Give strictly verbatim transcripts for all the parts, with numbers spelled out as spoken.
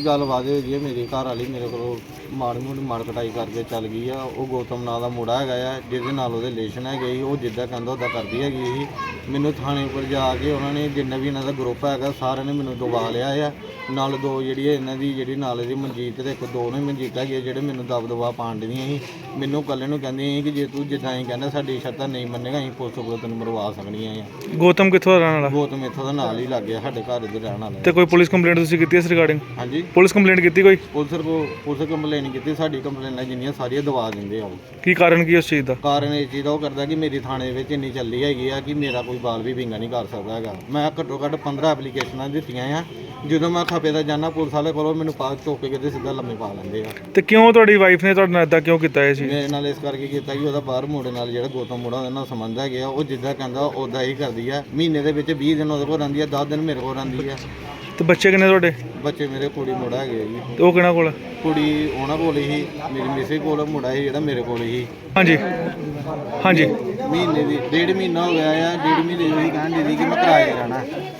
ਗੱਲਬਾਤ ਹੋਈ ਹੈ, ਮੇਰੀ ਘਰ ਵਾਲੀ ਮੇਰੇ ਕੋਲੋਂ ਮਾੜੀ ਮੋਟੀ ਮਾਰ ਕਟਾਈ ਕਰਕੇ ਚੱਲ ਗਈ ਆ। ਉਹ ਗੌਤਮ ਨਾਂ ਦਾ ਮੁੰਡਾ ਹੈਗਾ ਆ, ਜਿਹਦੇ ਨਾਲ ਉਹਦੇ ਰਿਲੇਸ਼ਨ ਹੈਗੇ ਸੀ। ਉਹ ਜਿੱਦਾਂ ਕਹਿੰਦਾ ਉੱਦਾਂ ਕਰਦੀ ਹੈਗੀ ਸੀ। ਮੈਨੂੰ ਥਾਣੇ ਉੱਪਰ ਜਾ ਕੇ ਉਹਨਾਂ ਨੇ, ਜਿੰਨਾ ਵੀ ਇਹਨਾਂ ਦਾ ਗਰੁੱਪ ਹੈਗਾ ਸਾਰਿਆਂ ਨੇ ਮੈਨੂੰ ਦਬਾ ਲਿਆ ਆ। ਨਾਲ ਦੋ ਜਿਹੜੀ ਇਹਨਾਂ ਦੀ ਜਿਹੜੀ ਨਾਲ ਦੀ ਮਨਜੀਤ ਤੇ ਇੱਕ ਦੋ ਨੇ ਮਨਜੀਤ ਹੈਗੇ ਜਿਹੜੇ ਮੈਨੂੰ ਦਬ ਦਬਾ ਪਾਣ ਦੀਆਂ ਸੀ। ਮੈਨੂੰ ਇਕੱਲੇ ਨੂੰ ਕਹਿੰਦੀਆਂ ਸੀ ਕਿ ਜੇ ਤੂੰ ਜਿੱਦਾਂ ਅਸੀਂ ਕਹਿੰਦਾ ਸਾਡੀ ਸ਼ਰਤਾਂ ਨਹੀਂ ਮੰਨੇਗਾ, ਅਸੀਂ ਪੁਲਿਸ ਕੋਲ ਤੈਨੂੰ ਮਰਵਾ ਸਕਣੀਆਂ ਆ। ਗੌਤਮ ਕਿੱਥੋਂ ਦਾ ਰਹਿਣ ਵਾਲਾ? ਗੌਤਮ ਇੱਥੋਂ ਦਾ ਨਾਲ ਹੀ ਲੱਗ ਗਿਆ, ਸਾਡੇ ਘਰ ਦੇ ਰਹਿਣ ਵਾਲਾ। ਤੇ ਕੋਈ ਪੁਲਿਸ ਕੰਪਲੇਂਟ ਤੁਸੀਂ ਕੀਤੀ ਇਸ ਰਿਗਾਰਡਿੰਗ? ਹਾਂਜੀ, ਪੁਲਿਸ ਕੰਪਲੇਂਟ ਕੀਤੀ ਕੋਈ? ਪੁਲਿਸ ਕੋ ਪੁਲਿਸ ਕੰਪਲੇਨ ਕੀਤੀ। ਸਾਡੀ ਕੰਪਲੇਨਾਂ ਜਿੰਨੀਆਂ ਸਾਰੀਆਂ ਦਬਾ ਦਿੰਦੇ ਆ। ਉਹ ਕੀ ਕਾਰਨ ਕੀ ਉਸ ਚੀਜ਼ ਦਾ? ਕਾਰਨ ਇਹ ਚੀਜ਼ ਦਾ ਉਹ ਕਰਦਾ ਕਿ ਮੇਰੀ ਥਾਣੇ ਵਿੱਚ ਇੰਨੀ ਚੱਲੀ ਹੈਗੀ ਆ ਕਿ ਮੇਰਾ ਕੋਈ ਬਾਲ ਵੀ ਵਿੰਗਾ ਨਹੀਂ ਕਰ ਸਕਦਾ ਹੈਗਾ। ਮੈਂ ਘੱਟੋ ਘੱਟ ਪੰਦਰਾਂ ਐਪਲੀਕੇਸ਼ਨਾਂ ਦਿੱਤੀਆਂ ਆ। ਜਦੋਂ ਮੈਂ ਖਪੇ ਦਾ ਜਾਣਾ ਪੁਲਿਸ ਵਾਲੇ ਕੋਲੋਂ ਮੈਨੂੰ ਪਾ ਚੁੱਕ ਕੇ ਤੇ ਸਿੱਧਾ ਲੰਮੇ ਪਾ ਲੈਂਦੇ ਆ। ਤੇ ਕਿਉਂ ਤੁਹਾਡੀ ਵਾਈਫ ਨੇ ਤੁਹਾਡੇ ਨਾਲ ਇਦਾਂ ਕਿਉਂ ਕੀਤਾ ਇਹ ਚੀਜ਼? ਮੇਰੇ ਨਾਲ ਇਸ ਕਰਕੇ ਕੀਤਾ ਕਿ ਉਹਦਾ ਬਾਹਰ ਮੁੰਡੇ ਨਾਲ ਜਿਹੜਾ ਗੌਤਮ ਮੁੰਡਾ ਉਹਦੇ ਨਾਲ ਸੰਬੰਧ ਹੈਗੇ ਆ। ਉਹ ਜਿੱਦਾਂ ਕਹਿੰਦਾ ਉੱਦਾਂ ਹੀ ਕਰਦੀ ਆ। ਮਹੀਨੇ ਦੇ ਵਿੱਚ ਵੀਹ ਦਿਨ ਉਹਦੇ ਕੋਲ ਰਹਿੰਦੀ ਆ, ਦਸ ਦਿਨ ਮੇਰੇ ਕੋਲ ਰਹਿੰਦੀ ਆ। ਤੇ ਬੱਚੇ ਕਿੰਨੇ ਤੁਹਾਡੇ? ਬੱਚੇ ਮੇਰੇ ਕੁੜੀ ਮੁੰਡਾ ਹੈਗੇ ਆ ਜੀ। ਤੇ ਉਹ ਕਿਹਨਾਂ ਕੋਲ? ਕੁੜੀ ਉਹਨਾਂ ਕੋਲ ਹੀ, ਮੇਰੀ ਮਿਸੇ ਕੋਲ, ਮੁੰਡਾ ਸੀ ਜਿਹੜਾ ਮੇਰੇ ਕੋਲ ਹੀ। ਹਾਂਜੀ ਹਾਂਜੀ। ਮਹੀਨੇ ਦੀ ਡੇਢ ਮਹੀਨਾ ਹੋ ਗਿਆ ਆ। ਡੇਢ ਮਹੀਨੇ ਦੀ ਕਹਿਣ ਦੀ ਕਿ ਮੈਂ ਕਿਰਾਏ 'ਤੇ ਰਹਿਣਾ,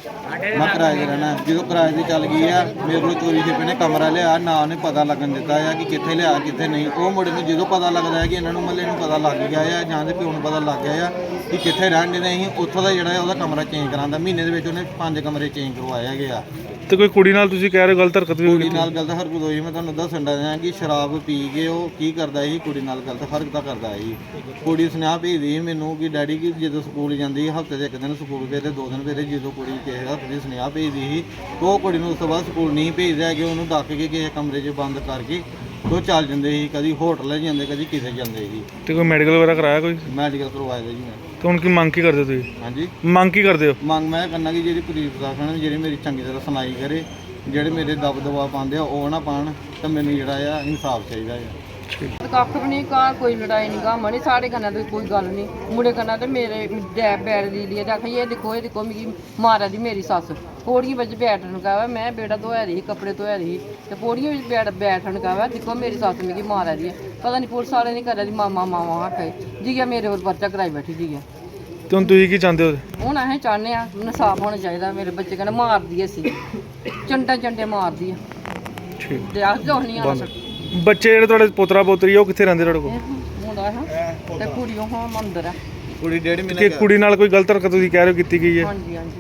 ਮੈਂ ਕਿਰਾਏ 'ਤੇ ਰਹਿਣਾ। ਜਦੋਂ ਕਿਰਾਏ 'ਤੇ ਚੱਲ ਗਈ ਆ, ਮੇਰੇ ਕੋਲ ਚੋਰੀ ਛਿਪੇ ਨੇ ਕਮਰਾ ਲਿਆ, ਨਾ ਉਹਨੇ ਪਤਾ ਲੱਗਣ ਦਿੱਤਾ ਆ ਕਿ ਕਿੱਥੇ ਲਿਆ ਕਿੱਥੇ ਨਹੀਂ। ਉਹ ਮੁੰਡੇ ਨੂੰ ਜਦੋਂ ਪਤਾ ਲੱਗਦਾ ਹੈ ਕਿ ਇਹਨਾਂ ਨੂੰ ਮਹੱਲੇ ਨੂੰ ਪਤਾ ਲੱਗ ਗਿਆ ਆ ਜਾਂ ਦੇ ਪਿਓ ਨੂੰ ਪਤਾ ਲੱਗ ਗਿਆ ਆ ਕਿ ਕਿੱਥੇ ਰਹਿਣ ਦੇ, ਅਸੀਂ ਉੱਥੋਂ ਦਾ ਜਿਹੜਾ ਉਹਦਾ ਕਮਰਾ ਚੇਂਜ ਕਰਾਉਂਦਾ। ਮਹੀਨੇ ਦੇ ਵਿੱਚ ਉਹਨੇ ਪੰਜ ਕਮਰੇ ਚੇਂਜ ਕਰਵਾਏ ਹੈਗੇ ਆ। ਤੇ ਕੋਈ ਕੁੜੀ ਨਾਲ ਤੁਸੀਂ ਕਹਿ ਰਹੇ ਹੋ ਗਲਤ ਹਰਕਤ ਵੀ ਕੁੜੀ ਕੀਤੀ? ਨਾਲ ਗਲਤ ਹਰਕਤ ਹੋਈ। ਮੈਂ ਤੁਹਾਨੂੰ ਦੱਸਣ ਡਿਆ ਕਿ ਸ਼ਰਾਬ ਪੀ ਕੇ ਉਹ ਕੀ ਕਰਦਾ ਸੀ, ਕੁੜੀ ਨਾਲ ਗਲਤ ਹਰਕਤਾਂ ਕਰਦਾ ਸੀ। ਕੁੜੀ ਸੁਨੇਹਾ ਭੇਜਦੀ ਸੀ ਮੈਨੂੰ ਕਿ ਡੈਡੀ ਕਿ ਜਦੋਂ ਸਕੂਲ ਜਾਂਦੀ ਹਫ਼ਤੇ ਦੇ ਇੱਕ ਦਿਨ ਸਕੂਲ ਗਏ ਤੇ ਦੋ ਦਿਨ ਫਿਰ ਜਦੋਂ ਕੁੜੀ ਕਿਸੇ ਹਫ਼ਤੇ ਦੀ ਸੁਨੇਹਾ ਭੇਜਦੀ ਸੀ ਉਹ ਕੁੜੀ ਨੂੰ ਉਸ ਤੋਂ ਬਾਅਦ ਸਕੂਲ ਨਹੀਂ ਭੇਜਦੇ ਹੈਗੇ। ਉਹਨੂੰ ਡੱਕ ਕੇ ਕਿਸੇ ਕਮਰੇ 'ਚ ਬੰਦ ਕਰਕੇ ਉਹ ਚੱਲ ਜਾਂਦੇ ਸੀ। ਕਦੀ ਹੋਟਲ ਜਾਂਦੇ, ਕਦੀ ਕਿਸੇ ਜਾਂਦੇ ਸੀ। ਤੇ ਕੋਈ ਮੈਡੀਕਲ ਵਗੈਰਾ ਕਰਾਇਆ ਕੋਈ? ਮੈਡੀਕਲ ਕਰਵਾਇਆ ਜੀ ਮੈਂ। ਤੇ ਹੁਣ ਕੀ ਮੰਗ ਕੀ ਕਰਦੇ ਤੁਸੀਂ? ਹਾਂਜੀ, ਮੰਗ ਕੀ ਕਰਦੇ ਹੋ? ਮੰਗ ਮੈਂ ਕਰਨਾ ਕਿ ਜਿਹੜੀ ਪੁਲਿਸ ਪ੍ਰਸ਼ਾਸਨ ਜਿਹੜੀ ਮੇਰੀ ਚੰਗੀ ਤਰ੍ਹਾਂ ਸੁਣਾਈ ਕਰੇ। ਜਿਹੜੇ ਮੇਰੇ ਦਬ ਦਬਾ ਪਾਉਂਦੇ ਆ ਉਹ ਨਾ ਪਾਉਣ ਤਾਂ ਮੈਨੂੰ ਜਿਹੜਾ ਆ ਇਨਸਾਫ ਚਾਹੀਦਾ ਆ। ਕੱਖ ਵੀ ਨਹੀਂ ਕਾ ਕੋਈ ਲੜਾਈ ਨਹੀਂ ਗਾ ਮਣੀ ਸਾਡੇ ਕਨਾਂ ਤੇ ਕੋਈ ਗੱਲ ਨਹੀਂ। ਮੁੰਡੇ ਕਨਾਂ ਤੇ ਮੇਰੇ ਡੈ ਬੈਠ ਦੀ ਲਈ ਦੇਖੀ ਇਹ ਦੇਖੋ ਇਹ ਦੇਖੋ ਮੇਰੀ ਮਾਰਾ ਦੀ ਮੇਰੀ ਸੱਸ ਪੌੜੀਆਂ ਵਿੱਚ ਬੈਠਣ ਕਹਾਵਾ। ਮੈਂ ਬੇੜਾ ਧੋਇਆ ਰਹੀ, ਕੱਪੜੇ ਧੋਇਆ ਰਹੀ ਤੇ ਪੌੜੀਆਂ ਵਿੱਚ ਬੈਠ ਬੈਠਣ ਕਹਾਵਾ। ਦੇਖੋ ਮੇਰੀ ਸੱਸ ਮੇਰੀ ਮਾਰਾ ਦੀ ਹੈ। ਪਤਾ ਨਹੀਂ ਪੁਲਿਸ ਵਾਲੇ ਨਹੀਂ ਕਰਿਆ ਦੀ ਮਾਮਾ ਮਾਵਾ ਹੱਥੇ ਜੀ ਆ ਮੇਰੇ ਕੋਲ ਪਰਚਾ ਕਰਾਈ ਬੈਠੀ ਜੀ ਆ। ਤੇ ਹੁਣ ਤੁਸੀਂ ਕੀ ਚਾਹੁੰਦੇ ਹੋ? ਹੁਣ ਅਸੀਂ ਚਾਹੁੰਦੇ ਆ ਇਨਸਾਫ ਹੋਣਾ ਚਾਹੀਦਾ। ਮੇਰੇ ਬੱਚੇ ਕਹਿੰਦੇ ਮਾਰਦੀ ਐ ਸੀ ਚੰਟਾ ਚੰਟੇ ਮਾਰਦੀ ਆ। ਠੀਕ। ਤੇ ਆਖ ਦੋ ਨਹੀਂ ਆ ਬੱਚੇ ਜਿਹੜੇ ਤੁਹਾਡੇ ਪੋਤਰਾ ਪੋਤਰੀ ਉਹ ਕਿੱਥੇ ਰਹਿੰਦੇ ਤੁਹਾਡੇ ਕੋਲ? ਮੁੰਡਾ ਹੈ ਤੇ ਕੁੜੀ ਉਹ ਮੰਦਰ ਆ। ਕੁੜੀ ਡੇਢ ਕਿ ਮਹੀਨੇ ਕੁੜੀ ਨਾਲ ਕੋਈ ਗਲਤ ਹਰਕਤ ਤੁਸੀਂ ਕਹਿ ਰਹੇ ਹੋ ਕੀਤੀ ਗਈ ਹੈ? ਹਾਂਜੀ ਹਾਂਜੀ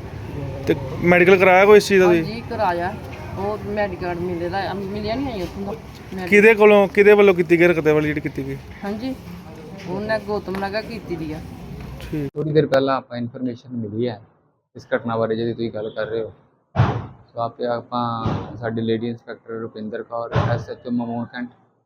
ਤੇ ਮੈਡੀਕਲ ਕਰਾਇਆ ਕੋਈ ਇਸ ਚੀਜ਼ ਦਾ ਤੁਸੀਂ? ਹਾਂਜੀ ਕਰਾਇਆ। ਉਹ ਮੈਡੀਕਲ ਮਿਲੇ ਦਾ ਮਿਲਿਆ ਨਹੀਂ ਆਈ ਉੱਥੋਂ ਦਾ ਮੈਡੀ- ਕਿਹਦੇ ਕੋਲੋਂ ਕਿਹਦੇ ਵੱਲੋਂ ਕੀਤੀ ਗਈ ਹਰਕਤ ਵਾਲੀ ਜਿਹੜੀ ਕੀਤੀ ਗਈ? ਹਾਂਜੀ ਉਹਨੇ ਗੌਤਮ ਨਗਾ ਕੀਤੀ ਦੀ ਆ। ਠੀਕ। ਥੋੜੀ ਦੇਰ ਪਹਿਲਾਂ ਆਪਾਂ ਇਨਫੋਰਮੇਸ਼ਨ ਮਿਲੀ ਹੈ ਇਸ ਘਟਨਾ ਬਾਰੇ ਜਿਹਦੀ ਤੁਸੀਂ ਗੱਲ ਕਰ ਰਹੇ ਹੋ। ਸੋ ਆਪੇ ਆਪਾਂ ਸਾਡੀ lady inspector Rupinder Kaur, S H O Mamun Cantt,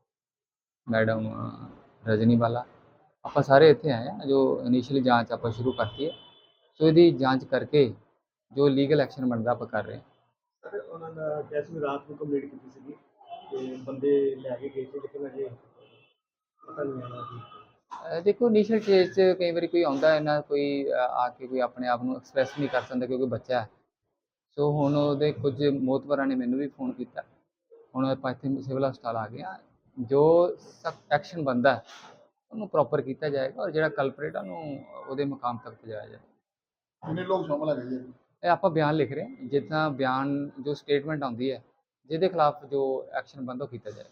madam Rajni ਵਾਲਾ, ਆਪਾਂ ਸਾਰੇ ਇੱਥੇ ਆਏ ਹਾਂ। ਜੋ ਇਨੀਸ਼ੀਅਲੀ ਜਾਂਚ ਆਪਾਂ ਸ਼ੁਰੂ ਕਰਤੀ ਹੈ, ਸੋ ਇਹਦੀ ਜਾਂਚ ਕਰਕੇ ਜੋ ਲੀਗਲ ਐਕਸ਼ਨ ਬਣਦਾ ਆਪਾਂ ਕਰ ਰਹੇ ਹਾਂ। ਸਰ ਉਹਨਾਂ ਦਾ ਕੈਸ ਵੀ ਰਾਤ ਨੂੰ ਕੰਪਲੀਟ ਕੀਤੀ ਸੀਗੀ ਤੇ ਬੰਦੇ ਲੈ ਕੇ ਗਏ ਸੀ ਲੇਕਿਨ ਅਜੇ ਪਤਾ ਨਹੀਂ ਆਇਆ ਜੀ। ਅਹ ਦੇਖੋ ਇਨੀਸ਼ੀਅਲ ਸਟੇਜ 'ਚ ਕਈ ਵਾਰੀ ਕੋਈ ਆਉਂਦਾ ਹੈ ਨਾ, ਕੋਈ ਅਹ ਆ ਕੇ ਕੋਈ ਆਪਣੇ ਆਪ ਨੂੰ ਐਕਸਪ੍ਰੈਸ ਨਹੀਂ ਕਰ ਸਕਦਾ ਕਿਉਂਕਿ ਬੱਚਾ ਹੈ। ਸੋ ਹੁਣ ਉਹਦੇ ਕੁਝ ਮੋਹਤਵਰਾਂ ਨੇ ਮੈਨੂੰ ਵੀ ਫੋਨ ਕੀਤਾ। ਹੁਣ ਆਪਾਂ ਇੱਥੇ ਸਿਵਲ ਹਸਪਤਾਲ ਆ ਗਏ ਹਾਂ। ਜੋ ਸਖਤ ਐਕਸ਼ਨ ਬਣਦਾ ਉਹਨੂੰ ਪ੍ਰੋਪਰ ਕੀਤਾ ਜਾਏਗਾ ਔਰ ਜਿਹੜਾ ਕਲਪਰੇਟ ਆ ਉਹਨੂੰ ਉਹਦੇ ਮੁਕਾਮ ਤੱਕ ਪਹੁੰਚਾਇਆ ਜਾਏ। ਕਿੰਨੇ ਲੋਕ ਸ਼ਾਮਲ ਹੈਗੇ ਜੀ? ਇਹ ਆਪਾਂ ਬਿਆਨ ਲਿਖ ਰਹੇ ਹਾਂ। ਜਿੱਦਾਂ ਬਿਆਨ ਜੋ ਸਟੇਟਮੈਂਟ ਆਉਂਦੀ ਹੈ ਜਿਹਦੇ ਖਿਲਾਫ ਜੋ ਐਕਸ਼ਨ ਬਣਦਾ ਉਹ ਕੀਤਾ ਜਾਏ।